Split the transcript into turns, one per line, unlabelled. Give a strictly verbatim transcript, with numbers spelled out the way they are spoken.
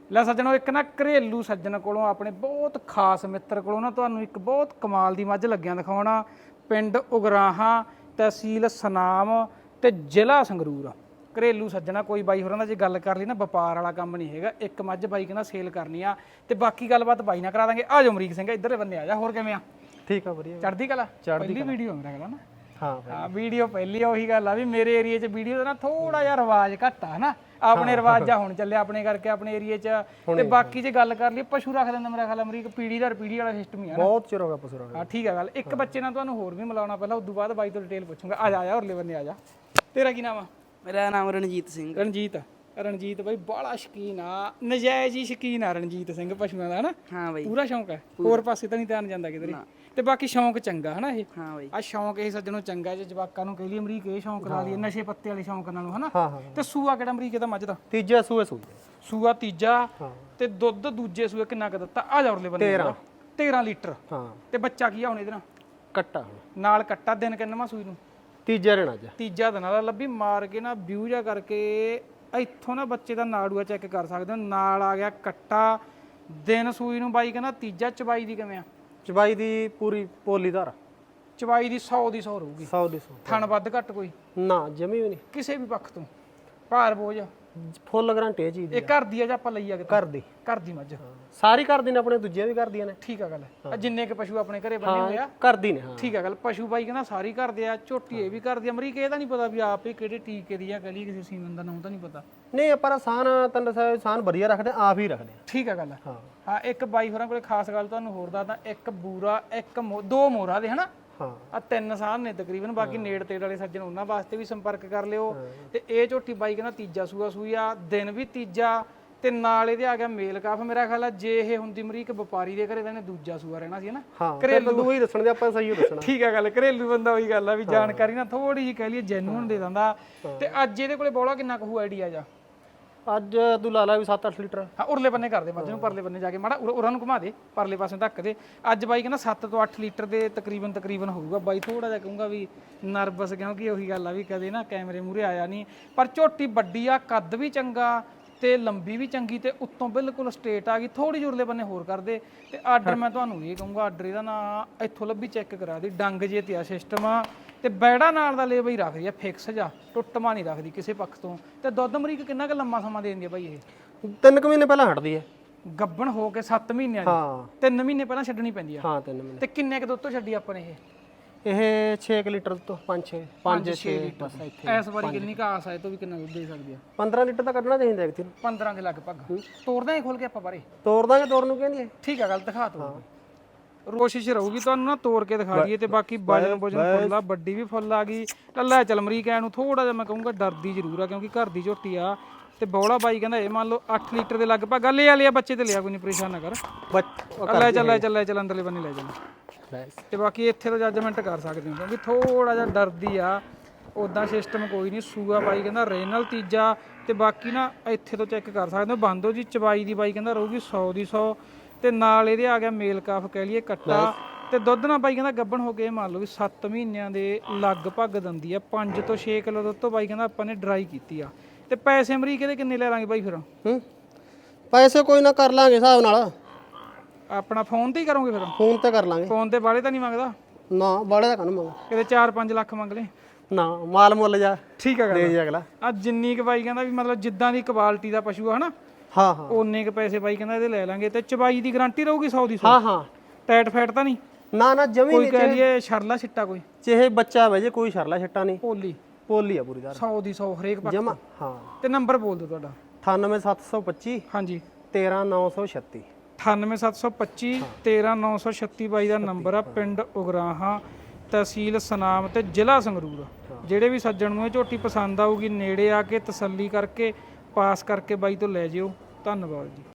ਲੈ ਸੱਜਣੋ, ਇੱਕ ਨਾ ਘਰੇਲੂ ਸੱਜਣ ਕੋਲੋਂ ਆਪਣੇ ਬਹੁਤ ਖਾਸ ਮਿੱਤਰ ਕੋਲੋਂ ਨਾ ਤੁਹਾਨੂੰ ਇੱਕ ਬਹੁਤ ਕਮਾਲ ਦੀ ਮੱਝ ਲੱਗਿਆਂ ਦਿਖਾਉਣਾ। ਪਿੰਡ ਉਗਰਾਹਾਂ, ਤਹਿਸੀਲ ਸਨਾਮ ਤੇ ਜ਼ਿਲ੍ਹਾ ਸੰਗਰੂਰ। ਘਰੇਲੂ ਸੱਜਣਾ ਕੋਈ ਬਾਈ ਹੋਰਾਂ ਦਾ ਜੇ ਗੱਲ ਕਰ ਲਈ ਨਾ, ਵਪਾਰ ਵਾਲਾ ਕੰਮ ਨਹੀਂ ਹੈਗਾ। ਇੱਕ ਮੱਝ ਬਾਈ ਕਹਿੰਦਾ ਸੇਲ ਕਰਨੀ ਆ ਤੇ ਬਾਕੀ ਗੱਲਬਾਤ ਬਾਈ ਨਾਲ ਕਰਾ ਦਾਂਗੇ। ਆ ਜਾਓ ਅਮਰੀਕ ਸਿੰਘ, ਇੱਧਰ ਬੰਨੇ ਆ ਜਾ। ਹੋਰ ਕਿਵੇਂ ਆ?
ਠੀਕ ਆ, ਵਧੀਆ।
ਚੜ੍ਹਦੀ ਕਲਾ? ਪਹਿਲੀ ਵੀਡੀਓ ਮੇਰਾ ਖਿਆਲ ਨਾ।
ਹਾਂ
ਹਾਂ, ਵੀਡੀਓ ਪਹਿਲੀ ਆ। ਉਹੀ ਗੱਲ ਆ ਵੀ ਮੇਰੇ ਏਰੀਏ 'ਚ ਵੀਡੀਓ ਦਾ ਨਾ ਥੋੜਾ ਜਿਹਾ ਰਿਵਾਜ ਘੱਟ ਆ ਹਨਾ। ਆਪਣੇ ਰਿਵਾਜਾ ਹੁਣ ਚੱਲਿਆ ਆਪਣੇ ਕਰਕੇ ਆਪਣੇ ਏਰੀਏ 'ਚ। ਤੇ ਬਾਕੀ ਜੇ ਗੱਲ ਕਰ ਲਈ, ਪਸ਼ੂ ਰੱਖ ਦਿੰਦਾ ਮੇਰਾ ਖਿਆਲ ਅਮਰੀਕ, ਪੀੜੀ ਦਰ ਪੀੜੀ ਵਾਲਾ ਸਿਸਟਮ ਹੀ ਆ।
ਬਹੁਤ ਚਿਰ ਹੋ ਗਿਆ ਪਸ਼ੂ ਰੱਖਦੇ।
ਹਾਂ ਠੀਕ ਆ ਗੱਲ। ਇੱਕ ਬੱਚੇ ਨਾਲ ਤੁਹਾਨੂੰ ਹੋਰ ਵੀ ਮਿਲਾਉਣਾ ਪਹਿਲਾਂ, ਉਦੋਂ ਬਾਅਦ ਬਾਈ ਤੋਂ ਡਿਟੇਲ ਪੁੱਛੂੰਗਾ। ਆ ਜਾ ਆ ਜਾ, ਉਰਲੇ ਬੰਨੇ ਆ ਜਾ। ਤੇਰਾ ਕੀ ਨਾਮ ਆ?
ਮੇਰਾ ਨਾਮ ਰਣਜੀਤ ਸਿੰਘ।
ਰਣਜੀਤ। ਰਣਜੀਤ ਬਾਈ ਬਾਲਾ ਸ਼ਕੀਨ ਆ, ਨਜਾਇਜ਼ ਹੀ ਸ਼ਕੀਨ ਆ ਰਣਜੀਤ ਸਿੰਘ ਪਸ਼ੂਆਂ ਦਾ ਹਨਾ।
ਹਾਂ ਬਾਈ,
ਪੂਰਾ ਸ਼ੌਂਕ ਹੈ, ਹੋਰ ਪਾਸੇ ਤਾਂ ਨਹੀਂ ਧਿਆਨ ਜਾਂਦਾ ਕਿਧਰੇ। ਤੇ ਬਾਕੀ ਸ਼ੌਂਕ ਚੰਗਾ ਹਨਾ ਇਹ।
ਹਾਂ ਬਾਈ,
ਆ ਸ਼ੌਂਕ ਇਹ ਸੱਜਣੋਂ ਚੰਗਾ। ਜੇ ਜਵਾਕਾਂ ਨੂੰ ਕਹਿ ਲਈ ਅਮਰੀਕ ਇਹ ਸ਼ੌਂਕ ਲਾ ਲਈਏ ਨਸ਼ੇ ਪੱਤੇ ਵਾਲੇ ਸ਼ੌਂਕ ਨਾਲੋਂ ਹਨਾ।
ਹਾਂ ਹਾਂ।
ਤੇ ਸੂਆ ਕਿਹੜਾ ਅਮਰੀਕ ਇਹਦਾ ਮੱਝ ਦਾ?
ਤੀਜਾ ਸੂਏ ਸੂਏ
ਸੂਆ ਤੀਜਾ।
ਹਾਂ।
ਤੇ ਦੁੱਧ ਦੂਜੇ ਸੂਏ ਕਿੰਨਾ ਕੁ ਦਿੱਤਾ? ਆ ਜਾ ਉਰਲੇ ਬੰਦੇ।
ਤੇਰਾਂ।
ਤੇਰਾਂ ਲੀਟਰ।
ਹਾਂ।
ਤੇ ਬੱਚਾ ਕੀ ਆ ਹੁਣ ਇਹਦੇ ਨਾਲ?
ਕੱਟਾ ਹੁਣ
ਨਾਲ ਕੱਟਾ। ਦਿਨ ਕਿੰਨਵਾਂ ਸੂਈ ਨੂੰ?
ਤੀਜਾ ਰਹਿਣਾ ਅੱਜ।
ਤੀਜਾ ਦਿਨ ਵਾਲਾ। ਲੱਭੀ ਮਾਰ ਕੇ ਨਾ ਵਿਊ ਜਾ ਕਰਕੇ ਇੱਥੋਂ ਨਾ ਬੱਚੇ ਦਾ ਨਾੜੂਆ ਚੈੱਕ ਕਰ ਸਕਦੇ ਹੋ। ਨਾਲ ਆ ਗਿਆ ਕੱਟਾ। ਦਿਨ ਸੂਈ ਨੂੰ ਬਾਈ ਕਹਿੰਦਾ ਤੀਜਾ। ਚਬਾਈ ਦੀ ਕਿਵੇਂ ਆ?
ਚਬਾਈ ਦੀ ਪੂਰੀ ਪੋਲੀਦਾਰ।
ਚਬਾਈ ਦੀ ਸੌ ਦੀ ਸੌ ਰਹੂਗੀ।
ਸੌ ਦੀ ਸੌ।
ਥਣ ਵੱਧ ਘੱਟ ਕੋਈ
ਨਾ ਜਮੀ ਵੀ ਨਹੀਂ
ਕਿਸੇ ਵੀ ਪੱਖ ਤੋਂ। ਭਾਰ ਬੋਝ
ਫੁੱਲ ਗਰੰਟੀ ਇਹ ਚੀਜ਼ ਦੀ।
ਇਹ ਘਰ ਦੀ ਆ ਜਾਂ ਆਪਾਂ ਲਈ ਆ?
ਘਰ ਦੀ।
ਘਰ ਦੀ ਮੱਝ।
ਸਾਰੀ ਕਰਦੀ ਨੇ, ਆਪਣੇ ਦੂਜੀਆਂ ਵੀ ਕਰਦੀਆਂ ਨੇ।
ਠੀਕ ਆ ਗੱਲ। ਆ ਜਿੰਨੇ ਕ ਪਸ਼ੂ ਆਪਣੇ ਘਰੇ ਬੰਨੇ ਹੋਏ ਆ
ਕਰਦੀ ਨੇ। ਹਾਂ
ਠੀਕ ਆ ਗੱਲ। ਪਸ਼ੂ ਬਾਈ ਕਹਿੰਦਾ ਸਾਰੀ ਘਰ ਦੇ ਆ। ਝੋਟੀ ਇਹ ਵੀ ਘਰ ਦੀ। ਅਮਰੀਕ ਇਹਦਾ ਨਹੀਂ ਪਤਾ ਵੀ ਆਪ ਇਹ ਕਿਹੜੇ ਟੀਕੇ ਦੀ ਆ, ਕਲੀ ਕਿਸੇ ਸੀਮਨ ਦਾ ਨਾਮ ਤਾਂ ਨਹੀਂ ਪਤਾ।
ਨਹੀਂ, ਆਪਾਂ ਸਾਨ ਤਨ ਸਾਨ ਵਧੀਆ ਰੱਖਦੇ, ਆਪ ਹੀ ਰੱਖਦੇ।
ਠੀਕ ਆ ਗੱਲ।
ਹਾਂ
ਹਾਂ। ਇੱਕ ਬਾਈ ਹੋਰਾਂ ਕੋਲੇ ਖਾਸ ਗੱਲ ਤੁਹਾਨੂੰ ਹੋਰ ਦੱਸਦਾ। ਇੱਕ ਬੂਰਾ, ਇੱਕ ਦੋ ਮੋਹਰਾ ਦੇ ਹਨਾ।
ਹਾਂ।
ਆ ਤਿੰਨ ਸਾਲ ਨੇ ਤਕਰੀਬਨ। ਬਾਕੀ ਨੇੜ ਤੇੜ ਵਾਲੇ ਸੱਜਣ ਉਹਨਾਂ ਵਾਸਤੇ ਵੀ ਸੰਪਰਕ ਕਰ ਲਿਓ। ਤੇ ਇਹ ਝੋਟੀ ਬਾਈ ਕਹਿੰਦਾ ਤੀਜਾ ਸੂਆ ਸੂਈ ਆ। ਦਿਨ ਵੀ ਤੀਜਾ ਤੇ ਨਾਲ ਇਹਦੇ ਆ ਗਿਆ ਮੇਲ ਕਾਫ। ਮੇਰਾ ਖਿਆਲ ਆ ਜੇ ਇਹ ਹੁੰਦੀ ਅਮਰੀਕ ਵਪਾਰੀ ਦੇ ਘਰੇ ਤਾਂ ਇਹਨੇ ਦੂਜਾ ਸੂਆ ਰਹਿਣਾ ਸੀ ਹਨਾ।
ਹਾਂ, ਘਰੇਲੂ ਦੂ ਹੀ ਦੱਸਣ ਦੇ, ਆਪਾਂ ਸਹੀ ਓ ਦੱਸਣਾ।
ਠੀਕ ਆ ਗੱਲ। ਘਰੇਲੂ ਬੰਦਾ ਉਹੀ ਗੱਲ ਆ ਵੀ ਜਾਣਕਾਰੀ ਨਾ ਥੋੜੀ ਜਿਹੀ ਕਹਿ ਲਈਏ ਜੈਨੂਅਨ ਦੇ ਦਿੰਦਾ। ਤੇ ਅੱਜ ਇਹਦੇ ਕੋਲੇ ਬੋਲਾ ਕਿੰਨਾ ਕੁ ਆਈਡੀਆ ਜਾ?
ਅੱਜ ਤੂੰ ਲਾ ਲਾ ਵੀ ਸੱਤ ਅੱਠ ਲੀਟਰ।
ਹਾਂ, ਉਰਲੇ ਬੰਨੇ ਕਰਦੇ ਮੱਝ ਨੂੰ, ਪਰਲੇ ਬੰਨੇ ਜਾ ਕੇ ਮਾੜਾ ਉਰਾਂ ਨੂੰ ਘੁਮਾ ਦੇ, ਪਰਲੇ ਪਾਸੇ ਧੱਕ ਦੇ। ਅੱਜ ਬਾਈ ਕਹਿੰਦਾ ਸੱਤ ਤੋਂ ਅੱਠ ਲੀਟਰ ਦੇ ਤਕਰੀਬਨ ਤਕਰੀਬਨ ਹੋਊਗਾ। ਬਾਈ ਥੋੜਾ ਜਿਹਾ ਕਹੂੰਗਾ ਵੀ ਨਰਵਸ, ਕਿਉਂਕਿ ਉਹੀ ਗੱਲ ਆ ਵੀ ਕਦੇ ਨਾ ਕੈਮਰੇ ਮੂਹਰੇ ਆਇਆ ਨਹੀਂ। ਪਰ ਝੋਟੀ ਵੱਡੀ ਆ, ਕੱਦ ਵੀ ਚੰਗਾ ਤੇ ਲੰਬੀ ਵੀ ਚੰਗੀ ਤੇ ਉੱਤੋਂ ਬਿਲਕੁਲ ਸਟੇਟ ਆ ਗਈ। ਥੋੜੀ ਜਿਹੀ ਉਰਲੇ ਬੰਨੇ ਹੋਰ ਕਰਦੇ। ਤੇ ਆਰਡਰ ਮੈਂ ਤੁਹਾਨੂੰ ਇਹ ਕਹੂੰਗਾ, ਆਰਡਰ ਇਹਦਾ ਨਾ ਇੱਥੋਂ ਲੱਭੀ ਚੈੱਕ ਕਰਾ ਦੀ। ਡੰਗ ਜੇ ਤੇ ਆ ਸਿਸਟਮ ਆ ਤੇ ਬੈੜਾ ਨਾਲ ਦਾ ਲੇਬਰ ਹੀ ਰੱਖਦੀ ਆ, ਫਿਕਸ ਜਾ ਟੁੱਟਮਾ ਨਹੀਂ ਰੱਖਦੀ ਕਿਸੇ ਪੱਖ ਤੋਂ। ਤੇ ਦੁੱਧ ਅਮਰੀਕ ਕਿੰਨਾ ਕੁ ਲੰਮਾ ਸਮਾਂ ਦੇ ਦਿੰਦੀ ਆ ਬਾਈ ਇਹ?
ਤਿੰਨ ਕੁ ਮਹੀਨੇ ਪਹਿਲਾਂ ਹਟਦੀ ਹੈ।
ਗੱਬਣ ਹੋ ਕੇ ਸੱਤ ਮਹੀਨਿਆਂ ਦੀ।
ਹਾਂ।
ਤਿੰਨ ਮਹੀਨੇ ਪਹਿਲਾਂ ਛੱਡਣੀ ਪੈਂਦੀ ਆ।
ਹਾਂ, ਤਿੰਨ ਮਹੀਨੇ।
ਤੇ ਕਿੰਨੇ ਕੁ ਦੁੱਧ ਤੋਂ ਛੱਡੀ ਆਪਾਂ ਨੇ ਇਹ?
ਇਹ ਛੇ ਲੀਟਰ ਤੋਂ ਪੰਜ ਛੇ ਪੰਜ ਛੇ ਲੀਟਰ।
ਇਸ ਵਾਰੀ ਕਿੰਨੀ ਕੁ ਆਸ ਹੈ ਤੋਂ ਵੀ ਕਿੰਨਾ ਦੁੱਧ ਦੇ ਸਕਦੀ ਆ?
ਪੰਦਰਾਂ ਲੀਟਰ ਤਾਂ ਕੱਢਣਾ ਚਾਹੀਦਾ ਇੱਕ ਦਿਨ।
ਪੰਦਰਾਂ ਦੇ ਲਗਭਗ। ਤੋੜਦਾ ਹੀ ਖੋਲ ਕੇ ਆਪਾਂ ਬਾਰੇ।
ਤੋੜ ਦਾਂਗੇ, ਤੋੜ ਨੂੰ ਕਹਿੰਦੀ ਹੈ।
ਠੀਕ ਆ ਗੱਲ, ਦਿਖਾ ਤੋ। ਕੋਸ਼ਿਸ਼ ਰਹੂਗੀ ਤੁਹਾਨੂੰ ਨਾ ਤੋੜ ਕੇ ਦਿਖਾ ਦਈਏ। ਤੇ ਬਾਕੀ ਵਜਨ ਵਜਨ ਫੁੱਲ ਆ, ਵੱਡੀ ਵੀ ਫੁੱਲ ਆ ਗਈ। ਲੈ ਚੱਲ ਅਮਰੀਕ ਐ ਨੂੰ ਥੋੜਾ ਜਿਹਾ ਮੈਂ ਕਹੂੰਗਾ ਡਰਦੀ ਜ਼ਰੂਰ ਆ, ਕਿਉਂਕਿ ਘਰ ਦੀ ਝੋਟੀ ਆ। ਤੇ ਬੌਲਾ ਬਾਈ ਕਹਿੰਦਾ ਇਹ ਮੰਨ ਲਓ ਅੱਠ ਲੀਟਰ ਦੇ ਲਗਭਗ। ਗੱਲ ਇਹ ਵਾਲੀ ਆ, ਬੱਚੇ ਤੇ ਲਿਆ ਕੋਈ ਨਹੀਂ, ਪਰੇਸ਼ਾਨ ਨਾ ਕਰ। ਲੈ ਚੱਲ ਲੈ ਚੱਲ ਲੈ ਚੱਲ ਅੰਦਰਲੇ ਬੰਨੇ ਲੈ ਜਾਣਾ। ਤੇ ਬਾਕੀ ਇੱਥੇ ਤੋਂ ਜੱਜਮੈਂਟ ਕਰ ਸਕਦੇ ਹੋ, ਕਿਉਂਕਿ ਥੋੜਾ ਜਿਹਾ ਡਰਦੀ ਆ। ਉਦਾਂ ਸਿਸਟਮ ਕੋਈ ਨਹੀਂ। ਸੂਆ ਬਾਈ ਕਹਿੰਦਾ ਰੇਨਲ ਤੀਜਾ। ਤੇ ਬਾਕੀ ਨਾ ਇੱਥੇ ਤੋਂ ਚੈੱਕ ਕਰ ਸਕਦੇ ਹੋ। ਬੰਦੋ ਜੀ ਚਬਾਈ ਦੀ ਬਾਈ ਕਹਿੰਦਾ ਰਹੂਗੀ ਸੌ ਦੀ ਸੌ। ਤੇ ਨਾਲ ਇਹਦੇ ਆ ਗਿਆ ਮੇਲ ਕਾਫ ਕਹਿ ਲਈਏ ਕੱਟਾ। ਤੇ ਦੁੱਧ ਨਾਲ ਬਾਈ ਕਹਿੰਦਾ ਗੱਭਣ ਹੋ ਕੇ ਮੰਨ ਲਓ ਵੀ ਸੱਤ ਮਹੀਨਿਆਂ ਦੇ ਲਗਭਗ ਦਿੰਦੀ ਆ। ਪੰਜ ਤੋਂ ਛੇ ਕਿਲੋ ਦੁੱਧ ਤੋਂ ਬਾਈ ਕਹਿੰਦਾ ਆਪਾਂ ਨੇ ਡਰਾਈ ਕੀਤੀ ਆ। ਤੇ ਪੈਸੇ ਅਮਰੀਕ ਇਹਦੇ ਕਿੰਨੇ ਲੈ ਲਾਂਗੇ ਬਾਈ ਫਿਰ?
ਹੂੰ, ਪੈਸੇ ਕੋਈ ਨਾ ਕਰ ਲਾਂਗੇ ਹਿਸਾਬ ਨਾਲ।
ਆਪਣਾ ਫੋਨ ਤੇ ਹੀ ਕਰੋਗੇ ਫਿਰ?
ਫੋਨ ਤੇ ਕਰ ਲਾਂਗੇ।
ਫੋਨ ਤੇ ਬਾਲੇ ਤਾਂ ਨਹੀਂ ਮੰਗਦਾ?
ਨਾ, ਬਾਲੇ ਦਾ ਕਾਹਨੂੰ ਮੰਗ।
ਕਿਤੇ ਚਾਰ ਪੰਜ ਲੱਖ ਮੰਗ ਲੈ?
ਨਾ, ਮਾਲ ਮੁੱਲ ਜਾ।
ਠੀਕ ਆ
ਦੇ ਅਗਲਾ।
ਆ ਜਿੰਨੀ ਕੁ ਬਾਈ ਕਹਿੰਦਾ ਵੀ ਮਤਲਬ ਜਿੱਦਾਂ ਦੀ ਕੁਆਲਿਟੀ ਦਾ ਪਸ਼ੂ ਆ ਹਨਾ,
ਹਾਂ ਹਾਂ,
ਓਨੇ ਕੁ ਪੈਸੇ ਬਾਈ ਕਹਿੰਦਾ ਇਹਦੇ ਲੈ ਲਾਂਗੇ। ਤੇ ਚਬਾਈ ਦੀ ਗਾਰੰਟੀ ਰਹੂਗੀ ਸੌ ਦੀ ਸੌ?
ਹਾਂ ਹਾਂ।
ਟੈਟ ਫੈਟ ਤਾਂ ਨਹੀਂ?
ਨਾ ਨਾ, ਜਮੀ
ਕੋਈ ਕਹਿ ਲਈਏ ਛਰਲਾ ਛਿੱਟਾ ਕੋਈ?
ਚਾਹੇ ਬੱਚਾ ਵੇ ਜੇ, ਕੋਈ ਸ਼ਰਲਾ ਛੱਟਾ ਨਹੀਂ।
ਪੋਲੀ
ਪੋਲੀ ਆ ਪੂਰੀ ਦਾਰ।
ਸੌ ਦੀ ਸੌ ਹਰੇਕ ਪੱਖ
ਜਮਾ। ਹਾਂ।
ਤੇ ਨੰਬਰ ਬੋਲ ਦਿਓ ਤੁਹਾਡਾ।
ਅਠਾਨਵੇਂ ਸੱਤ ਸੌ ਪੱਚੀ
ਹਾਂਜੀ।
ਤੇਰਾਂ ਨੌ ਸੌ ਛੱਤੀ।
ਅਠਾਨਵੇਂ ਸੱਤ ਸੌ ਪੱਚੀ ਤੇਰਾਂ ਨੌ ਸੌ ਛੱਤੀ ਬਾਈ ਦਾ ਨੰਬਰ ਆ। ਪਿੰਡ ਉਗਰਾਹਾਂ, ਤਹਿਸੀਲ ਸਨਾਮ ਤੇ ਜ਼ਿਲ੍ਹਾ ਸੰਗਰੂਰ। ਜਿਹੜੇ ਵੀ ਸੱਜਣ ਨੂੰ ਇਹ ਝੋਟੀ ਪਸੰਦ ਆਊਗੀ, ਨੇੜੇ ਆ ਕੇ ਤਸੱਲੀ ਕਰਕੇ ਪਾਸ ਕਰਕੇ ਬਾਈ ਤੋਂ ਲੈ ਜਿਓ। ਧੰਨਵਾਦ ਜੀ।